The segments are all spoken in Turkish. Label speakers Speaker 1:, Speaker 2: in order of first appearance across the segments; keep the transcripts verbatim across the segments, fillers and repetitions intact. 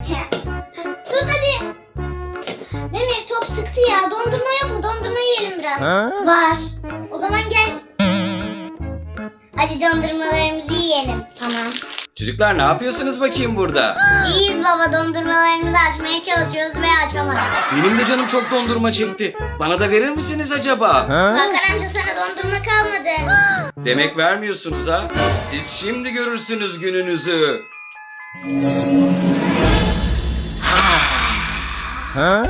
Speaker 1: Tut hadi. Demir top sıktı ya. Dondurma yok mu? Dondurma yiyelim biraz.
Speaker 2: Ha?
Speaker 1: Var. O zaman gel. Hadi dondurmalarımızı yiyelim. Tamam.
Speaker 3: Çocuklar ne yapıyorsunuz bakayım burada?
Speaker 1: İyiyiz baba, dondurmalarımızı açmaya çalışıyoruz ve açamadık.
Speaker 3: Benim de canım çok dondurma çekti. Bana da verir misiniz acaba?
Speaker 2: Ha?
Speaker 1: Hakan amca sana dondurma kalmadı.
Speaker 3: Demek vermiyorsunuz ha? Siz şimdi görürsünüz gününüzü.
Speaker 2: Ha?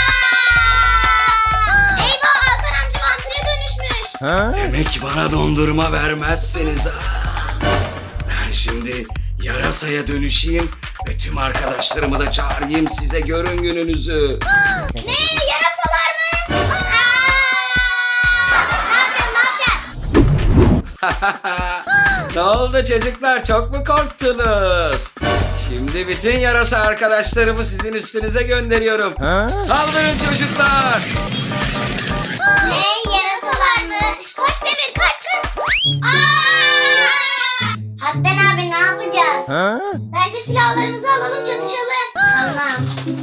Speaker 1: Eyvah, Hakan amca vampire dönüşmüş.
Speaker 2: Ha?
Speaker 3: Demek bana dondurma vermezseniz ha. Ben şimdi yarasaya dönüşeyim ve tüm arkadaşlarımı da çağırayım, size görün gününüzü.
Speaker 1: Ne? Yarasalar mı? Aa! Ne yapacaksın? Ne yapacaksın?
Speaker 3: Ne oldu çocuklar, çok mu korktunuz? Şimdi bütün yarasa arkadaşlarımı sizin üstünüze gönderiyorum.
Speaker 2: Ha?
Speaker 3: Saldırın çocuklar.
Speaker 1: Ne? Yarasalar mı? Kaç Demir, kaç kaç. Aa! Hakan abi ne yapacağız?
Speaker 2: Ha?
Speaker 1: Bence silahlarımızı alalım, çatışalım. Tamam.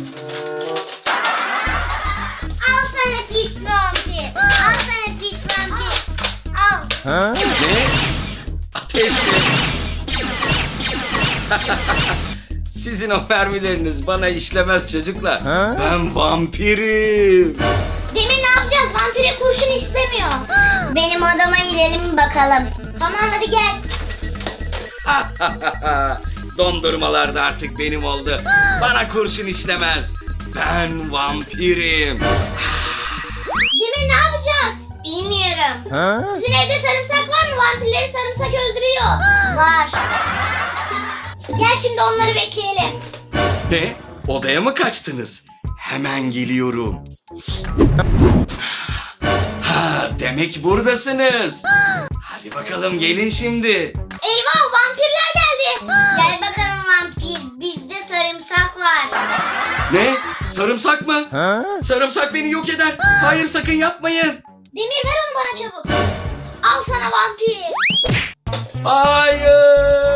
Speaker 1: Al sana pis vampir. Al sana pis vampir. Al.
Speaker 2: Ha?
Speaker 3: Ne? Ateş mi? Sizin o mermileriniz bana işlemez çocuklar.
Speaker 2: Ha?
Speaker 3: Ben vampirim.
Speaker 1: Demir ne yapacağız? Vampire kurşun istemiyor. Benim odama gidelim bakalım. Tamam hadi gel.
Speaker 3: Dondurmalar da artık benim oldu. Bana kurşun işlemez. Ben vampirim.
Speaker 1: Demir ne yapacağız? Bilmiyorum.
Speaker 2: Ha?
Speaker 1: Sizin evde sarımsak var mı? Vampirleri sarımsak öldürüyor. Var. Gel şimdi onları bekleyelim.
Speaker 3: Ne? Odaya mı kaçtınız? Hemen geliyorum. Ha, demek buradasınız. Hadi bakalım gelin şimdi.
Speaker 1: Eyvah, vampirler geldi. Gel bakalım vampir. Bizde sarımsak var.
Speaker 3: Ne? Sarımsak mı?
Speaker 2: Ha?
Speaker 3: Sarımsak beni yok eder. Hayır, sakın yapmayın.
Speaker 1: Demir ver onu bana çabuk. Al sana vampir.
Speaker 3: Hayır.